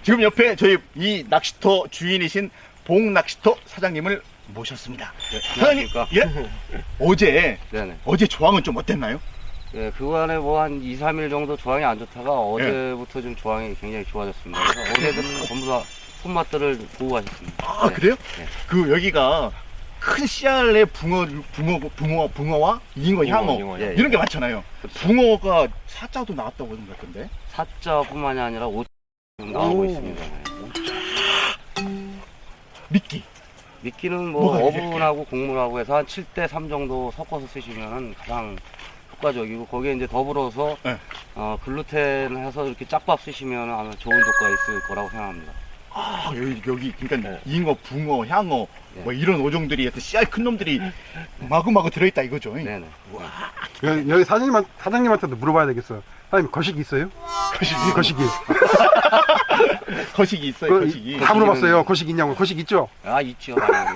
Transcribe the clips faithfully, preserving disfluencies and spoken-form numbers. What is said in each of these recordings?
지금 옆에 저희 이 낚시터 주인이신 봉낚시터 사장님을 모셨습니다. 네, 사장님, 안녕하십니까? 예? 어제 네네. 어제 조항은 좀 어땠나요? 예, 그간에 뭐 한 이, 삼 일 정도 조항이 안 좋다가 어제부터 좀 조항이 굉장히 좋아졌습니다. 그래서 어제도 전부 다 손맛들을 보고 가셨습니다. 아 네. 그래요? 네. 그 여기가 큰 씨알의 붕어, 붕어, 붕어, 붕어와 잉어, 향어 잉어, 예, 이런 예. 게 많잖아요. 그렇죠. 붕어가 사자도 나왔다고 하는 것 같던데. 사자뿐만이 아니라 오 나오고 오. 있습니다. 네. 미끼. 미끼는 뭐 뭐가 이렇게? 어분하고 곡물하고 해서 한 칠 대 삼 정도 섞어서 쓰시면 가장 효과적이고 거기에 이제 더불어서 네. 어, 글루텐 해서 이렇게 짝밥 쓰시면 아마 좋은 효과가 있을 거라고 생각합니다. 아 여기 여기 그러니까 네. 잉어, 붕어, 향어 네. 뭐 이런 어종들이 하여튼 씨알 큰 놈들이 마구마구 들어있다 이거죠. 네네. 여기, 여기 사장님, 사장님한테도 물어봐야 되겠어요. 사장님, 거시기 있어요? 거시기. 이 거시기. 거시기 있어요. 그, 거시기. 다 물어봤어요. 거시기 있냐고. 거시기 있죠? 아 있죠. 당연히.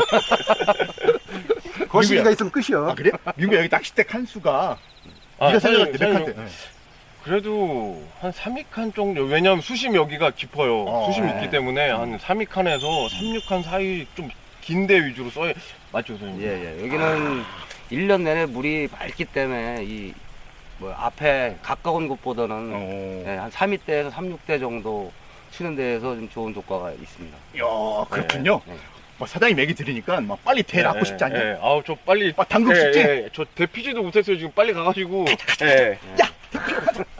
거시기가 민구야. 있으면 끝이요. 아 그래? 민구 여기 낚싯대 칸수가 아, 네가 사장님, 생각할 때 몇 사장님, 칸대? 그래도 한 삼 위 칸 정도. 왜냐면 수심 여기가 깊어요. 어, 수심 네. 있기 때문에 한 삼 위 칸에서 삼, 육 칸 사이 좀 긴 데 위주로 써야 맞죠, 선생님? 예, 예. 여기는 일 년 내내 물이 맑기 때문에 이 뭐 앞에 가까운 곳보다는 어. 예, 한 삼 위 대에서 삼, 육 대 정도 치는 데에서 좀 좋은 효과가 있습니다. 이야 그렇군요. 네. 뭐 사장님 얘기 들으니까 막 빨리 대 낚고 싶지 않냐? 예, 아우, 저 빨리. 막 담그고 예, 싶지? 예, 저 대피지도 못했어요. 지금 빨리 가가지고. 예. 야!